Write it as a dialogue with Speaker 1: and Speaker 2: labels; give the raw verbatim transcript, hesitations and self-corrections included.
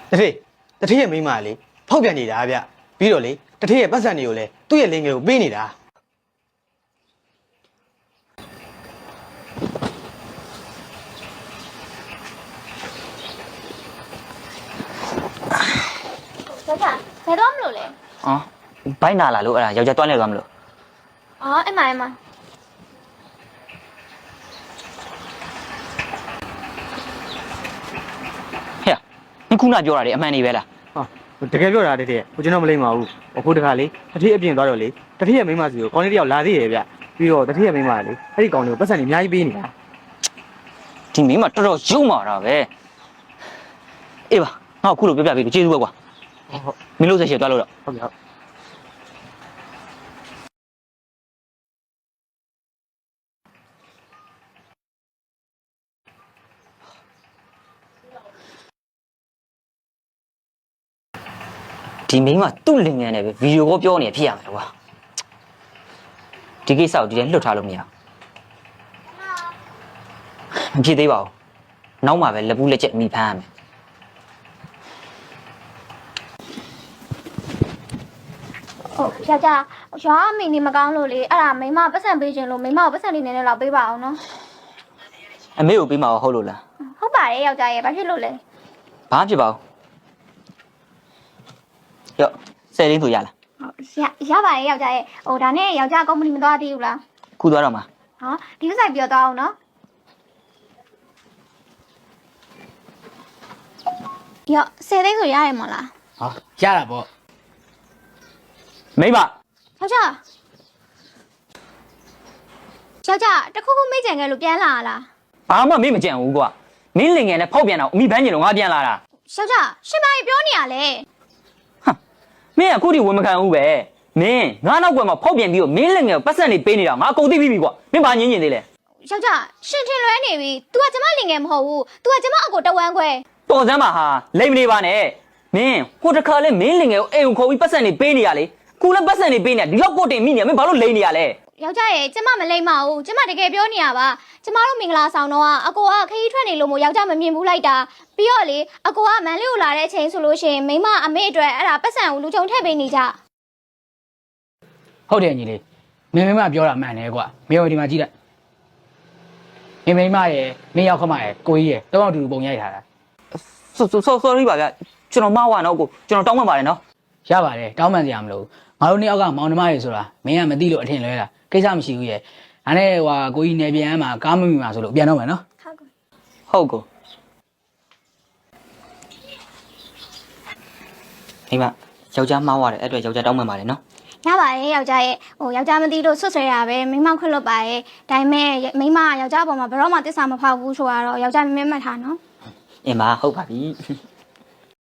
Speaker 1: တထေးတထေးရဲ့မိန်းမလေးဖောက်ပြန်နေတာဗျပြီးတော့လေတထေးရဲ့ပတ်စံတွေကိုလည်းသူ့ရဲ့လင်ငယ်ကိုပေးနေတာ
Speaker 2: ယောက်ျားဘယ်တော့မလို့လဲ
Speaker 3: အော်ဘိုက်နာလာလို့အဲ့ဒါယောက်ျားတွန်းနေသွားမလို့
Speaker 2: အော်အဲ့မှာအဲ့မှာ
Speaker 3: ဟဲ့你ခုနပြောတာလေအမှန်နေပဲလား
Speaker 1: ဟာတကယ်ပြောတာတထေးဟိုကျွန်တော်မလိမ့်ပါဘူးအခုတခါလေတထေးအပြင်သွားတော့လေတထေးရဲ့မိန်းမစီကိုကောင်းလေးတယောက်လာသေးရဲ့ဗျပြီးတော့တထေးရဲ့မိန်းမလေအဲ့ဒီကောင်းလေးကိုပတ်စံတွေအများကြီးပေးနေတာ
Speaker 3: ဒီမိန်းမတော်တော်ရုံမာတာပဲအေးပါငါအခုလိုပြောပြပေးလို့ကျေးဇူးပဲကွာ
Speaker 1: ဟုတ်
Speaker 3: မင်းလို့ဆက်ရှည်သွားလို့တော့
Speaker 1: ဟုတ်ကဲ့ဟုတ်
Speaker 3: ဒီမိန်းမသူ့လင်ငယ်နဲ့ပဲဗီဒီယိုကောပြောနေဖြစ်ရမယ်ကွာဒီကိစ္စကိုဒီထဲလွတ်ထားလို့မရမဖြစ်သေးပါဘူးနောက်မှပဲလက်ပူးလက်ချက်မိဖမ်းရမယ်
Speaker 2: ဟုတ်ယောက်ျားရွာမိနေမကောင်းလို့လေအဲ့ဒါမိမပတ်စံပေးခြင်းလို့မိမကိုပတ်စံလေးနည်းနည်းလောက်ပေးပါအောင်နော်
Speaker 3: အမေကိုပေးမှာဟုတ်လို့လား
Speaker 2: ဟုတ်ပါတယ်ယောက်ျားရဲ့ဘာဖြစ်လို့လဲ
Speaker 3: ဘာဖြစ်ပါဘူးရော့ဆယ်ရင်းဆိုရလား
Speaker 2: ဟုတ်ရရပါတယ်ယောက်ျားရဲ့ဟိုဒါနဲ့ယောက်ျားကုမ္ပဏီမသွားသေးဘူးလား
Speaker 3: ခုသွားတော့မှာ
Speaker 2: ဟောဒီဥစ္စာပြောသွားအောင်နော်ရော့ဆယ်သိန်းဆိုရရမလား
Speaker 4: ဟာရတာပေါ့
Speaker 3: မိမ
Speaker 2: ယောက်ျားယောက်ျားတခုခုမေ့ကြံခဲ့လို့ပြန်လာလား
Speaker 3: ဘာမှမေ့မကြံဘူးကွာမင်းလင်ငယ်နဲ့ဖောက်ပြန်တော့အမိဘန်းကျင်တော့ငါပြန်လာတာ
Speaker 2: ယောက်ျားရှင်မကြီးပြောနေရလေ
Speaker 3: ဟာမင်းကခုထိဝင်မခံဘူးပဲမင်းငါနောက်ကွယ်မှာဖောက်ပြန်ပြီးတော့မင်းလင်ငယ်ကိုပတ်စံနေပေးနေတာငါကုန်သိပြီးပြီကွာမင်းဘာညင်းညင်သေးလဲ
Speaker 2: ယောက်ျားရှင်ထင်လွဲနေပြီ तू ကကျမလင်ငယ်မဟုတ်ဘူး तू ကကျမအကိုတဝမ်းခွဲ
Speaker 3: တော်စမ်းပါဟာလိမ့်မနေပါနဲ့မင်းဟိုတခါလဲမင်းလင်ငယ်ကိုအိမ်ကိုခေါ်ပြီးပတ်စံနေပေးနေရလေခုလည်းပတ်စံနေပေးနေဒီလောက်ကိုတင်မိနေမင်းဘာလို့လိမ့်နေရလဲ
Speaker 2: ယောက်ျားရဲ့ကျမမလိမ့်ပါဘူးကျမတကယ်ပြောနေရပါကျမတို့မင်္ဂလာဆောင်တော့အကိုကခရီးထွက်နေလို့မို့ယောက်ျားမမြင်ဘူးလိုက်တာပြီးတော့လေအကိုကမန်လေးကိုလာတဲ့အချိန်ဆိုလို့ရှိရင်မိမအမေအတွက်အဲ့ဒါပတ်စံကိုလူချုံထည့်ပေးနေကြ
Speaker 4: ဟုတ်တယ်ညီလေးမင်းမမပြောတာမှန်တယ်ကွာမင်းတို့ဒီမှာကြည့်လိုက်မင်းမိမရဲ့မင်းရောက်ခမရဲ့ကိုကြီးရဲ့တောင်းအတူတူပုံရိုက်ထားတာ
Speaker 3: sorry ပါဗျကျွန်တော်မှားသွားတော့ကိုကျွန်တော်တောင်းပန်ပါတယ်နော်
Speaker 4: ရပါတယ်တောင်းပန်စရာမလိုငါတို့နှစ်ယောက်ကမောင်နှမတွေဆိုတာမင်းကမသိလို့အထင်လွဲတာကိစ္စမရှိဘူးရဲ့ဒါနဲ့ဟိုကိုကြီးနေပြန်မှာကားမမိမှာဆိုလို့ပြန်တော့မယ်နော်
Speaker 2: ဟုတ်ကော
Speaker 3: ဟုတ်ကိုမိမယောက်ျားမှားသွားတယ်အဲ့အတွက်ယောက်ျားတောင်းပန်ပါတယ်နော်
Speaker 2: ရပါတယ်ယောက်ျားရဲ့ဟိုယောက်ျားမသိလို့ဆွဆွဲတာပဲမိမခွတ်လွတ်ပါရဲ့ဒါပေမဲ့မိမယောက်ျားပေါ်မှာဘယ်တော့မှတစ္ဆာမဖောက်ဘူးဆိုတော့ယောက်ျားမင်းမထားနော်
Speaker 3: အင်းမဟုတ်ပါပြီ